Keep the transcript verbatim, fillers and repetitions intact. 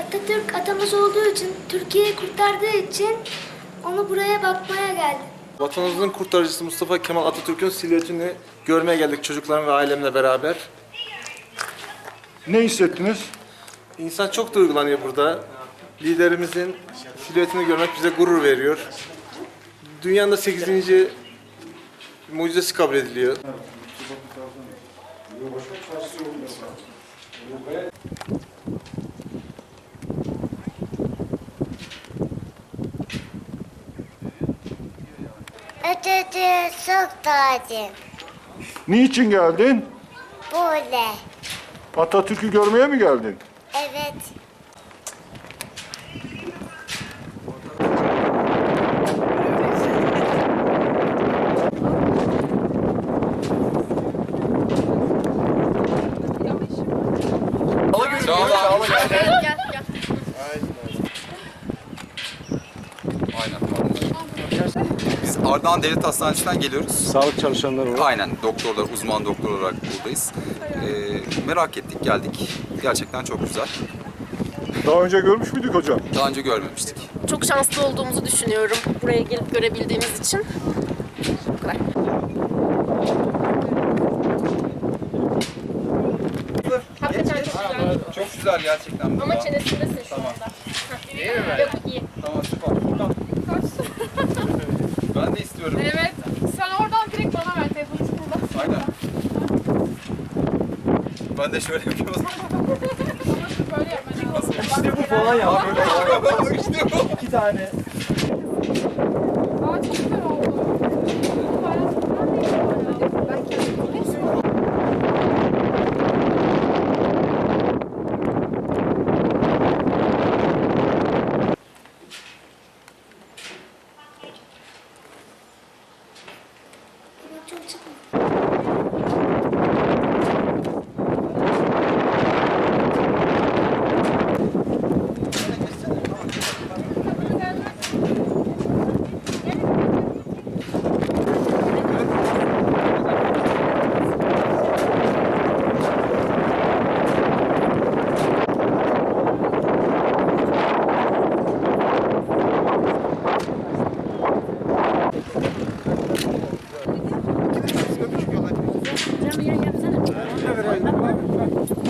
Atatürk atamız olduğu için, Türkiye'yi kurtardığı için onu buraya bakmaya geldim. Vatanımızın kurtarıcısı Mustafa Kemal Atatürk'ün silüetini görmeye geldik çocuklarım ve ailemle beraber. Ne hissettiniz? İnsan çok duygulanıyor burada. Liderimizin silüetini görmek bize gurur veriyor. Dünyanın da sekizinci mucizesi kabul ediliyor. Atatürk'ü çok tadım. Niçin geldin? Böyle. Atatürk'ü görmeye mi geldin? Evet. Biz Ardahan Devlet Hastanesi'nden geliyoruz. Sağlık çalışanları var. Aynen, doktorlar, uzman doktor olarak buradayız. Ee, merak ettik, geldik. Gerçekten çok güzel. Daha önce görmüş müydük hocam? Daha önce görmemiştik. Çok şanslı olduğumuzu düşünüyorum buraya gelip görebildiğimiz için. Bu kadar. Hakikaten çok güzel. Çok güzel gerçekten. Ama çenesindesin şu anda. İyi mi? Yok iyi. Tamam, süper. Ben de istiyorum. Evet. Sen oradan direkt bana ver telefonu burada. Aynen. Ben de şöyle yapıyorum. Böyle yap. İşte bu falan ya. Böyle işte bu. İki tane. Aa çok güzel oldu. Ben kendim Çok çıkma.